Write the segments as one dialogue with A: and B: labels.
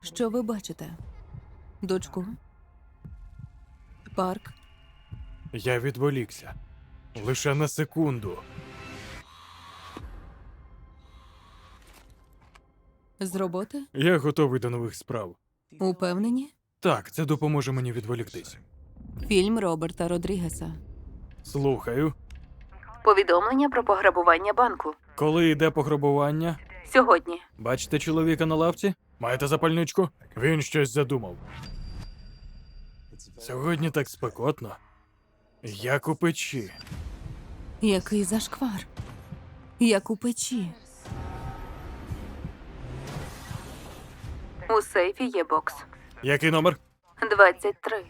A: Що ви бачите? Дочку? Парк?
B: Я відволікся. Лише на секунду.
A: З роботи?
B: Я готовий до нових справ.
A: Упевнені?
B: Так, це допоможе мені відволіктись.
A: Фільм Роберта Родрігеса.
B: Слухаю.
A: Повідомлення про пограбування банку.
B: Коли йде пограбування?
A: Сьогодні.
B: Бачите чоловіка на лавці? Маєте запальничку? Він щось задумав. Сьогодні так спекотно. Як у печі.
A: Який зашквар. Як у печі. У сейфі є бокс.
B: Який номер?
A: 23.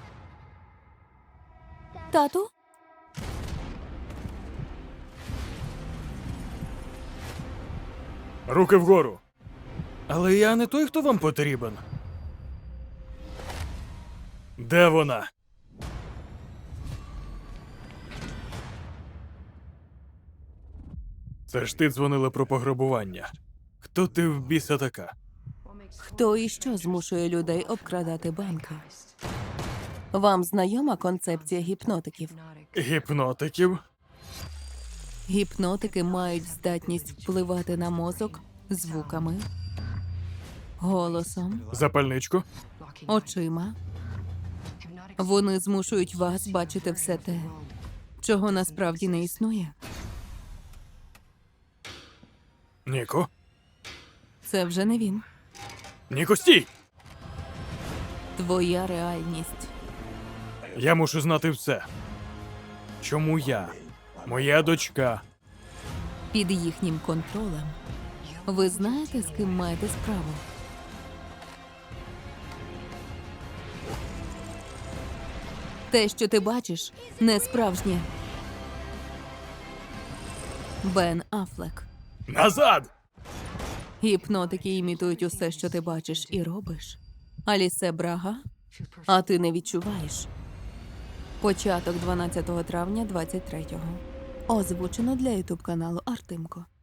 A: Тату?
B: Руки вгору. Але я не той, хто вам потрібен. Де вона? Це ж ти дзвонила про пограбування. Хто ти в біса така?
A: Хто і що змушує людей обкрадати банки? Вам знайома концепція гіпнотиків?
B: Гіпнотиків?
A: Гіпнотики мають здатність впливати на мозок звуками, голосом,
B: Запальничку?
A: очима. Вони змушують вас бачити все те, чого насправді не існує.
B: Ніко?
A: Це вже не він.
B: Ніко, стій!
A: Твоя реальність.
B: Я мушу знати все. Чому я? Моя дочка.
A: Під їхнім контролем. Ви знаєте, з ким маєте справу? Те, що ти бачиш, не справжнє. Бен Аффлек.
B: Назад!
A: Гіпнотики імітують усе, що ти бачиш і робиш. Алісе Брага, а ти не відчуваєш. Початок 12 травня 23-го. Озвучено для ютуб каналу Артемко.